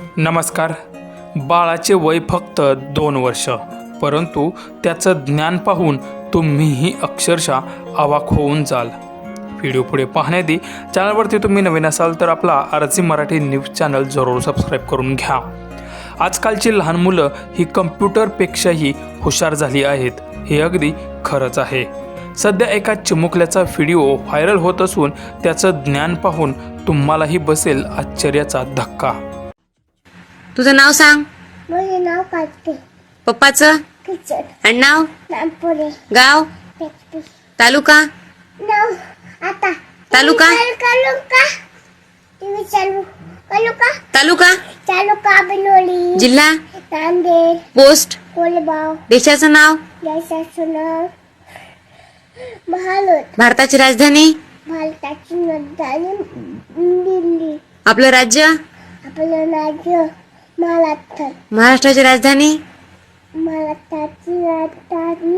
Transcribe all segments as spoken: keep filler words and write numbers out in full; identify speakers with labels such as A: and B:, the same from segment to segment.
A: नमस्कार. बाळाचे वय फक्त दोन वर्ष, परंतु त्याचं ज्ञान पाहून तुम्हीही अक्षरशः अवाक होऊन जाल. व्हिडिओ पुढे पाहण्याआधी चॅनलवरती तुम्ही नवीन असाल तर आपला आरसी मराठी न्यूज चॅनल जरूर सबस्क्राईब करून घ्या. आजकालची लहान मुलं ही कम्प्युटरपेक्षाही हुशार झाली आहेत, हे अगदी खरंच आहे. सध्या एका चिमुकल्याचा व्हिडिओ व्हायरल होत असून त्याचं ज्ञान पाहून तुम्हालाही बसेल आश्चर्याचा धक्का.
B: तुझं नाव सांग.
C: माझे नाव कार्तिक.
B: पप्पाचं
C: किचन.
B: आडनाव,
C: नागपुरे.
B: गाव,
C: पेटपी.
B: तालुका,
C: नाव आता
B: तालुका?
C: चालू का टीव्ही चालू चालू का
B: तालुका,
C: चालू का बिनोली.
B: जिल्हा,
C: नांदेड.
B: पोस्ट,
C: कोलेगाव.
B: देशाचं नाव,
C: देशाचं नाव महालोट.
B: भारताची राजधानी,
C: भारताची राजधानी दिल्ली.
B: आपलं राज्य,
C: आपलं राज्य महाराष्ट्र.
B: महाराष्ट्राची राजधानी,
C: महाराष्ट्राची राजधानी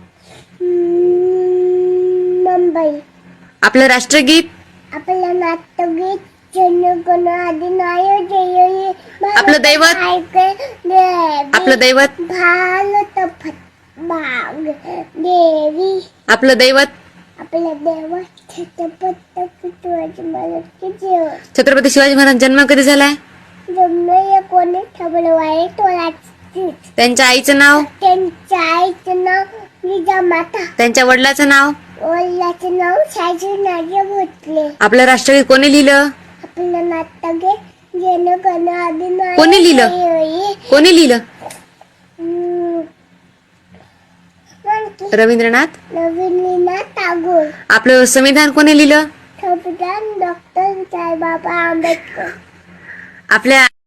C: मुंबई.
B: आपलं राष्ट्रगीत,
C: आपलं नाट्यगीत जनगण अधिनायक जय हे.
B: आपलं दैवत, आपलं दैवत,
C: भारत भाग देवी.
B: आपलं दैवत,
C: आपलं दैवत छत्रपती शिवाजी महाराजचे जेवण.
B: छत्रपती शिवाजी महाराज जन्म कधी झालाय?
C: जमलं कोणी फेब्रुवारी सोळाची.
B: त्यांच्या आईचं नाव,
C: त्यांच्या आईचं नाव जिजामाता.
B: त्यांच्या वडिलाचं नाव,
C: वडिलाचं नाव शाजीनाजी भोसले.
B: आपलं राष्ट्रगीत कोणी लिहिलं?
C: आपलं नाट्यगीत जनगण अधिनायक
B: कोणी लिहिलं?
C: जय.
B: कोणी लिहिलं?
C: हम्म. आणखी
B: रवींद्रनाथ.
C: रवींद्रनाथ टागोर.
B: आपलं संविधान कोणी लिहिलं?
C: संविधान डॉक्टर साहेबबाबा आंबेडकर.
B: आपल्या